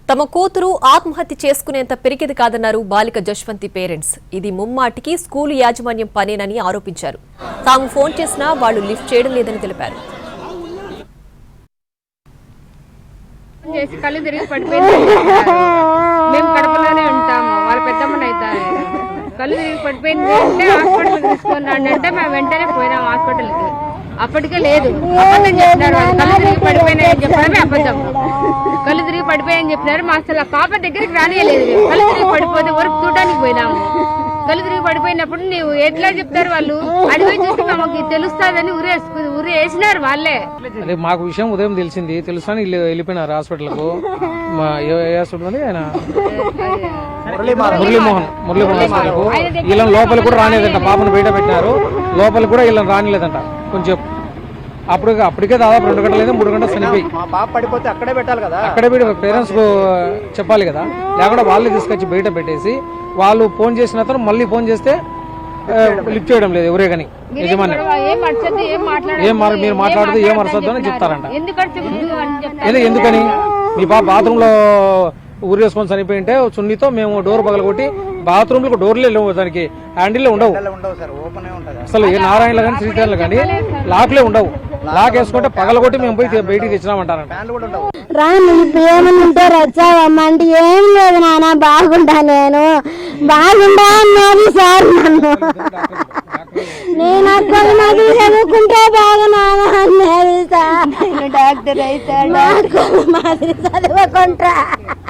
తమ కూతురు ఆత్మహత్య చేసుకునేంత పెరిగేది కాదన్నారు బాలిక జశ్వంతి పేరెంట్స్. ఇది ముమ్మాటికి స్కూలు యాజమాన్యం పనేనని ఆరోపించారు. తాము ఫోన్ చేసినా వాళ్లు లిఫ్ట్ చేయడం లేదని తెలిపారు. కళ్ళు తిరిగి పడిపోయింది. మేము కడపలోనే ఉంటాము. వాళ్ళ పెద్దమ్మని అవుతారు. కళ్ళు తిరిగి పడిపోయింది అంటే హాస్పిటల్ తీసుకున్నాడు అంటే మేము వెంటనే పోయినాం హాస్పిటల్కి. అప్పటికే లేదు, అబద్ధం చెప్తున్నారు. వాళ్ళు కళ్ళు తిరిగి పడిపోయినాయని చెప్పడమే అబద్ధం. కళ్ళు తిరిగి పడిపోయాయని చెప్పినారు. మా అసలు ఆ పాప దగ్గరికి రానియలేదు. కళ్ళు తిరిగి పడిపోతే వరకు చూడడానికి పోయినాము. కళ్ళు తిరిగి పడిపోయినప్పుడు నీవు ఎట్లా చెప్తారు వాళ్ళు? అడిగి చూసి మాకు తెలుస్తుందని ఉరి వేసినారు వాళ్ళే. అదే మాకు విషయం ఉదయం తెలిసింది. తెలుసని వెళ్ళిపోయినారు హాస్పిటల్కు. ఆయన మురళీమోహన్ హాస్పిటల్కు. వీళ్ళని లోపల కూడా రానిలేదంట. పాపను బయట పెట్టినారు. లోపల కూడా వీళ్ళని రానిలేదంట. కొంచెం అప్పటికే దాదాపు 2 గంటలు 3 గంటలు చనిపోయి పడిపోతే అక్కడే పెట్టాలి కదా. అక్కడే పేరెంట్స్ కు చెప్పాలి కదా. లేకుండా వాళ్ళని తీసుకొచ్చి బయట పెట్టేసి వాళ్ళు ఫోన్ చేసిన తర్వాత మళ్ళీ ఫోన్ చేస్తే లిఫ్ట్ చేయడం లేదు. ఎవరే కానీ యజమాని మీరు మాట్లాడితే ఏం అరసద్దు అని చెప్తారంట. ఎందుకని మీ పాప బాత్రూమ్ లో ఊరు వేసుకొని చనిపోయి ఉంటే చున్నీతో మేము డోర్ పగలగొట్టి బాత్రూమ్ లో డోర్లే లేవు, దానికి హ్యాండిల్ ఉండవు. అసలు ఏ నారాయణలో కానీ శ్రీశైలంలో కానీ లాక్లే ఉండవు. లాక్ వేసుకుంటే పగలగొట్టి మేము పోయి బయటికి తెచ్చినామంటారంట. రాను ఇప్పుడు ఏమన్నా ఉంటే రచ్చావమ్మా అంటే ఏం లేదు నాన్న బాగుంటా, నేను బాగుంటా అన్నది సార్. నన్ను నేను అక్కడ నది చదువుకుంటే బాగున్నాను అన్నది సార్. డాక్టర్ అయితే మాది చదువుకుంటా.